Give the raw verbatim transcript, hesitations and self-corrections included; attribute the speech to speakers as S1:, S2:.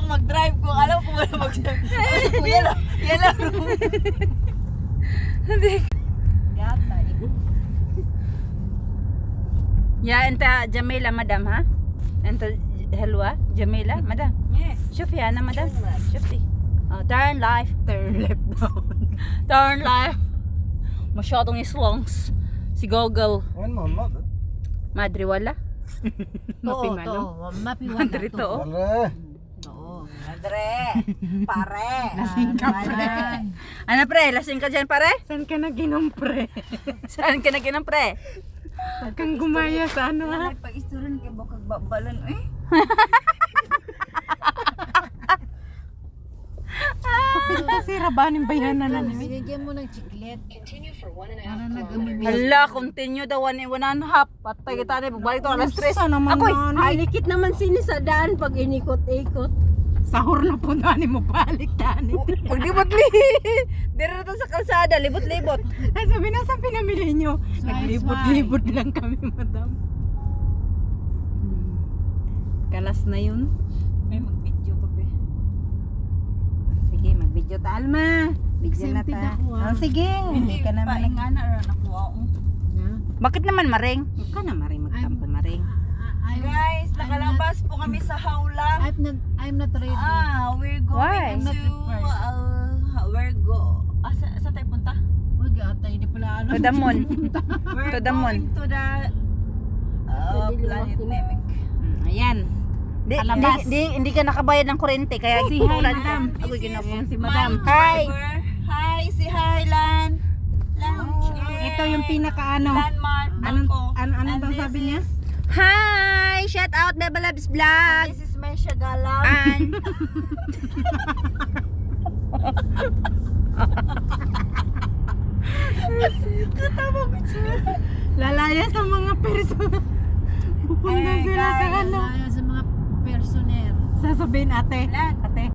S1: lang mag-drive kung alam ko wala mag-drive. Yala, yala.
S2: Hindi.
S1: Yata.
S2: Ya, enta Jamila, madam, ha? Enta helwa, Jamila, madam.
S1: Yes.
S2: شوفي أنا مدام شوفي oh, turn left
S1: Turn left down.
S2: turn left masyadong islongs si Google
S3: وين محمد؟
S2: madre wala
S1: Oo,
S2: mapimano
S1: to. Mapiwan
S2: madre to oh.
S3: والله
S1: Oo. Andre. Pare.
S2: Lasing ka, pre. Ano pre, lasing ka dyan pare?
S4: Saan ka naginom, pre?
S2: Saan ka naginom pre?
S4: Huwag kang gumaya sa ano, ha?
S1: Nagpag-isturan kay bukag babalan eh.
S4: Kasi rabanin bayanan na namin.
S1: Binigyan mo ng chiclet. Ano nag-umibig?
S2: Hala, continue daw one, one and a half patay kita na pagbalik to alas tres
S4: Sa naman
S2: ako'y
S4: na,
S1: Halikit naman sini sa daan pag inikot-ikot.
S4: sahur na po na ni mo balik tani.
S2: paglibot-li dire to sa kalsada libot-libot
S4: Ay, sabi na sa pinamili nyo. Naglibot-libot lang kami, madam. Hmm. Kalas na yun.
S1: May mag-video pa be.
S4: Sige, mag-video ta, Alma. Video na
S1: Exempted
S4: ta.
S1: ako, ah.
S4: Oh, sige. Hindi ka naman.
S1: Paingana ra nakuha ko.
S2: bakit naman maring?
S4: Huwag ka na maring magtampo maring.
S1: Guys, nakalabas po kami sa hawla.
S5: I'm not I'm not ready.
S1: Ah, we're
S2: Why?
S1: going to uh, we're go. Ah, sa, saan tayo punta?
S5: Wag ata hindi pala alam.
S2: To the moon.
S1: We're
S2: To the moon.
S1: going to the uh, planet Namek.
S4: Hmm, ayan.
S2: Di,
S4: Palabas.
S2: di, di, hindi ka nakabayad ng kuryente kaya
S4: Si
S2: si
S4: hi,
S2: ulan
S4: madam.
S2: Ako ginawa.
S4: Ayan si
S1: My
S4: madam.
S2: Hi.
S1: driver. Hi, si Hi Lan. Lan.
S4: Ito yung pinaka-ano.
S1: Landmark.
S4: Anong,
S1: Bangko.
S4: ano, ano
S1: And
S4: bang
S1: this
S4: sabi niya?
S1: is-
S2: Hi! Shout out Beba Labs Vlog!
S1: This is my Shagalam.
S2: And
S4: Lalaya sa mga persona. Pupunta
S1: Eh,
S4: sila sa
S1: guys.
S4: ano.
S5: Sa mga personer.
S4: Sasabihin ate.
S1: Lan.
S4: Ate.